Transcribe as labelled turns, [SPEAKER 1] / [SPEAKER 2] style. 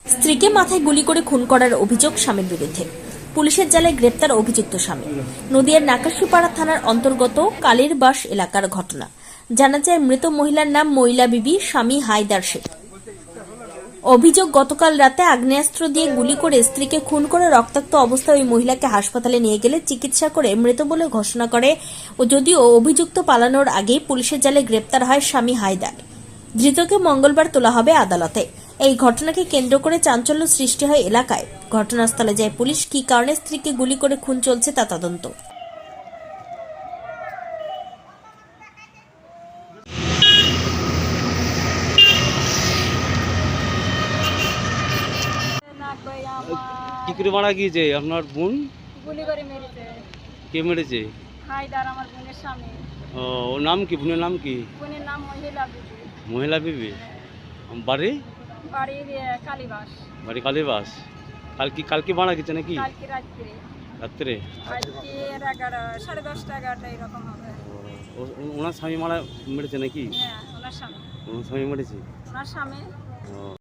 [SPEAKER 1] স্ত্রীকে মাথায় গুলি করে খুন করার অভিযোগ স্বামীর বিরুদ্ধে। পুলিশের জালে গ্রেপ্তার অভিযুক্ত স্বামী। নদিয়ার নাকাশিপাড়া থানার অন্তর্গত কালীরবাস এলাকার ঘটনা। জানা যায়, মৃত মহিলার নাম মহিলা বিবি, স্বামী হায়দার শেখ। অভিযোগ, গতকাল রাতে আগ্নেয়াস্ত্র দিয়ে গুলি করে স্ত্রীকে খুন করে রক্তাক্ত অবস্থায় ওই মহিলাকে হাসপাতালে নিয়ে গেলে চিকিৎসা করে মৃত বলে ঘোষণা করে। যদিও অভিযুক্ত পালানোর আগেই পুলিশের জালে গ্রেপ্তার হয় স্বামী হায়দার। ধৃতকে মঙ্গলবার তোলা হবে আদালতে। এই ঘটনাকে কেন্দ্র করে চাঞ্চল্য সৃষ্টি হয় এলাকায়। ঘটনাস্থলে যায় পুলিশ। কী কারণে স্ত্রীকে গুলি করে খুন চলছে তা তদন্ত।
[SPEAKER 2] কি করে মারা গিয়েছে আপনার বোন?
[SPEAKER 3] গুলি করে মেরেছে।
[SPEAKER 2] কে মেরেছে?
[SPEAKER 3] হায়দার, আমার বোনের স্বামী।
[SPEAKER 2] ওর নাম কি? বোনের নাম কি?
[SPEAKER 3] বোনের নাম মহিলা বিবি।
[SPEAKER 2] মহিলা বিবি। বাড়ি?
[SPEAKER 3] বাড়ির কালীবাস।
[SPEAKER 2] বাড়ি কালীবাস। কালকে মারা গেছে নাকি?
[SPEAKER 3] কালকে রাত্রে।
[SPEAKER 2] রাত্রে?
[SPEAKER 3] আজকে 11:30 11:30 এরকম হবে।
[SPEAKER 2] ওনার স্বামী মেরেছে নাকি?
[SPEAKER 3] হ্যাঁ, ওনার স্বামী।
[SPEAKER 2] ওনার স্বামী মেরেছে।
[SPEAKER 3] ওনার স্বামী।